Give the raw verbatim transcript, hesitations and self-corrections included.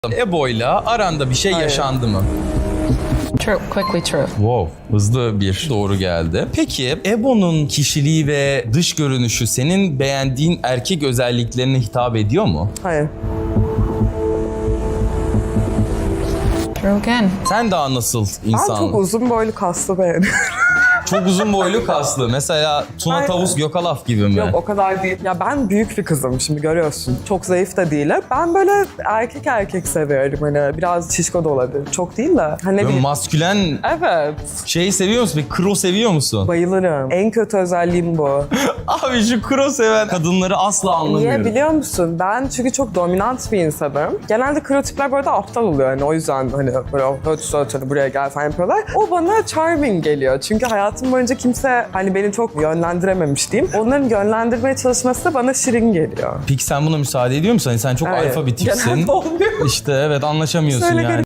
Ebo'yla aranda bir şey Hayır. yaşandı mı? True, quickly true. Wow, hızlı bir doğru geldi. Peki Ebo'nun kişiliği ve dış görünüşü senin beğendiğin erkek özelliklerine hitap ediyor mu? Hayır. True again. Sen daha nasıl Ben insan? çok uzun boylu kaslı beğeniyorum. Çok uzun boylu kaslı. Mesela Tuna Aynen. Tavus Gökalaf gibi mi? Yok o kadar değil. Ya ben büyük bir kızım şimdi görüyorsun. Çok zayıf da değilim. Ben böyle erkek erkek seviyorum. Hani biraz şişko da olabilir. Çok değil de. Hani ne Böyle bileyim. maskülen Evet. şeyi seviyor musun? Bir kro seviyor musun? Bayılırım. En kötü özelliğim bu. Abi şu kro seven kadınları asla anlamıyorum. Niye biliyor musun? Ben çünkü çok dominant bir insanım. Genelde kro tipler böyle aptal oluyor. Hani o yüzden hani böyle öt öt hani buraya gel falan yapıyorlar. O bana charming geliyor. Çünkü hayatım boyunca kimse hani beni çok yönlendirememiş diyeyim. Onların yönlendirmeye çalışması da bana şirin geliyor. Peki sen buna müsaade ediyor musun? Hani sen çok Evet. alfa bir tipsin. Genelde olmuyor. İşte evet anlaşamıyorsun Söyle yani.